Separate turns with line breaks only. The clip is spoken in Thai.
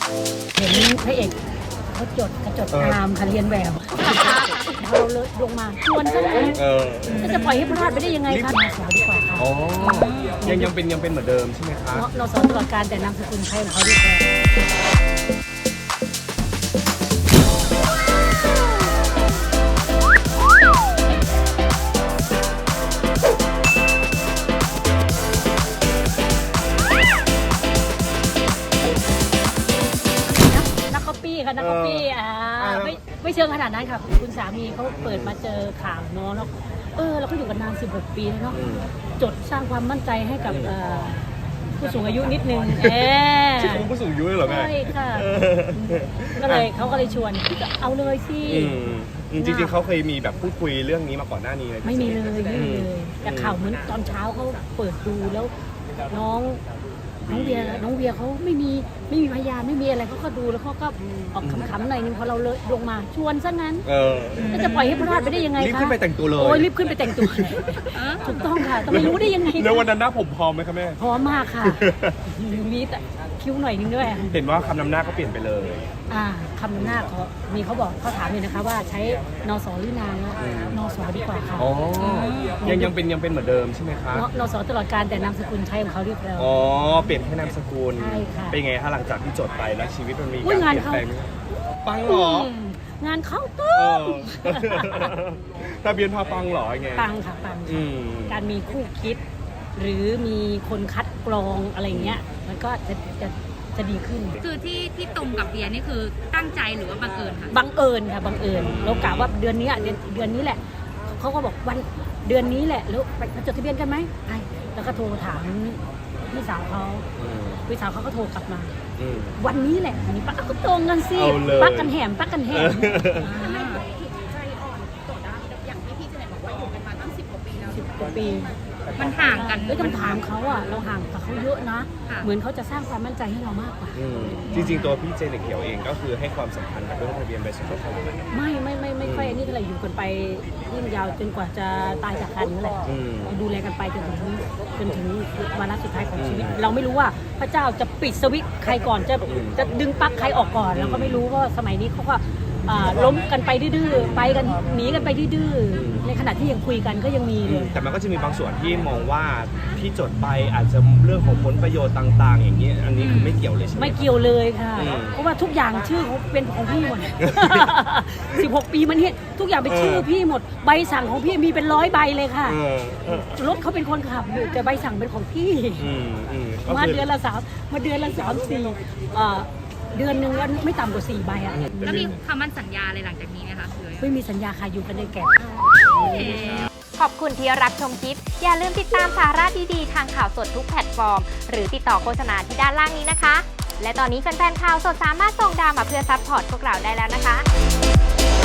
เห็นพระเอกเขากระจดตามค่ะเรียนแบบเราเลยลงมาชวนซะเลยจะปล่อยให้พลาดไปได้ยังไงคะมาสอนดีกว่าค่ะ
อ๋อยังเป็นเหมือนเดิมใช่ไหมคะ
เราสอนตลอดการแต่นามสกุลใช้ของเขาดีกว่านักก๊อปปี้ไม่เชิงขนาดนั้นค่ะคุณสามีเขาเปิดมาเจอข่าวเนาะแล้วเราก็อยู่กันนาน16 ปีแล้วเนาะจดสร้างความมั่นใจให้กับผู้สูงอายุนิดนึง
ชื่อของผู้สูงอายุเลยเหรอแม่
ใช่ค่ะเขาก็เลยชวนเอาเลยสิ
จริงๆเขาเคยมีแบบพูดคุยเรื่องนี้มาก่อนหน้านี้เลย
ไม่มีเลยแต่ข่าวเหมือนตอนเช้าเขาเปิดดูแล้วน้องเวียเขาไม่มีพยานไม่มีอะไรเขาก็ดูแล้วเขาก็ออกขำๆหน่อยนึงพอเราเลยลงมาชวนซะงั้นจะปล่อยให้พลาดไปได้ยังไงคะ
รีบขึ้นไปแต่งตัวเลย
รีบขึ้นไปแต่งตัวถูกต้องค่ะแต่ไม่รู้ได้ยังไง
ในวันนั้นหน้าผมพร้อมไหมคะแม่
พร้อมมากค่ะมีแต่คิ้วหน่อยนึงด้วย
เห็นว่าคำนำหน้าก็เปลี่ยนไปเลย
คำนำหน้าเขาถามเลยนะคะว่าใช้นสหรือนางนสดีกว่าค่ะ
ยังเป็นเหมือนเดิมใช่ไหมคะ
นสตลอดการแต่นามสกุลใช้ของเขาเรียบร้อย
เปลี่ยนแค่นามสกุล
ใช่ค่ะ
เป็นไงคะหลังจากที่จดไปแล้วชีวิตมันมีการเปลี่ยนแปลงปังเหร
องานเข้าตุ้ม
ทะเบียนพาปังเหรอไง
ปังค่ะปังการมีคู่คิดหรือมีคนคัดกรองอะไรเงี้ยมันก็จะดีขึ้น
คือที่ตรงกับเบียร์นี่คือตั้งใจหรือว่าบังเอิญคะ
บังเอิญค่ะบังเอิญเรากะว่าเดือนนี้แหละเขาก็บอกวันเดือนนี้แหละแล้วไปจดทะเบียนกันไหมใช่แล้วก็โทรถามพี่สาวเขาก็โทรกลับมาวันนี้แหละวันนี้ปักก็ตรงกันสิปักกันแหม
ใจอ่อนต่อได้อย่างที่พี่เจเน็ตบอกว่าอยู่กันมาตั้ง10 กว่าปีแล้ว
10 กว่าปี
มันห่างกัน
ต้องถามเขาเราห่างกับเขาเยอะนะเหมือนเขาจะสร้างความมั่นใจให้เรามากกว่า
จริงๆตัวพี่เจเน็ตเขียวเองก็คือให้ความสำคัญกับเรื่องทะเบียนใบสมรสขนาดนั้น
ไม่ค่อยอันนี้เท่าไหร่อยู่กันไปยิ่งยาวจนกว่าจะตายจากกันนั่นแหละดูแลกันไปจนถึงวาระสุดท้ายของชีวิตเราไม่รู้ว่าพระเจ้าจะปิดสวิตช์ใครก่อนจะดึงปลั๊กใครออกก่อนเราก็ไม่รู้เพราะสมัยนี้เขาก็ล้มกันไปดื้อไปกันหนีกันไปดื้อในขณะที่ยังคุยกันก็ยังมีเลย
แต่มันก็จะมีบางส่วนที่มองว่าที่จดไปอาจจะเรื่องของผลประโยชน์ต่างๆอย่างนี้อันนี้คือไม่เกี่ยวเลยใช่ไหม
ไม่เกี่ยวเลยค่ะเพราะว่าทุกอย่างชื่อเขาเป็นของพี่หมด16 ปีมันเนี่ยทุกอย่างเป็นชื่อพี่หมดใบสั่งของพี่มีเป็น100 ใบเลยค่ะรถเขาเป็นคนขับแต่ใบสั่งเป็นของพี่มาเดือนละ3 4เดือนนึงวันไม่ต่ำกว่า4 ใบ
แล้วมีคำมั่นสัญญาอะไรหลังจากนี้ไหมคะ
ไม่มีสัญญาค่ะอยู่กันในแก่
ขอบคุณที่รับชมคลิปอย่าลืมติดตามสาระดีๆทางข่าวสดทุกแพลตฟอร์มหรือติดต่อโฆษณาที่ด้านล่างนี้นะคะและตอนนี้แฟนๆข่าวสดสามารถส่งดาวมาเพื่อซัพพอร์ตพวกเราได้แล้วนะคะ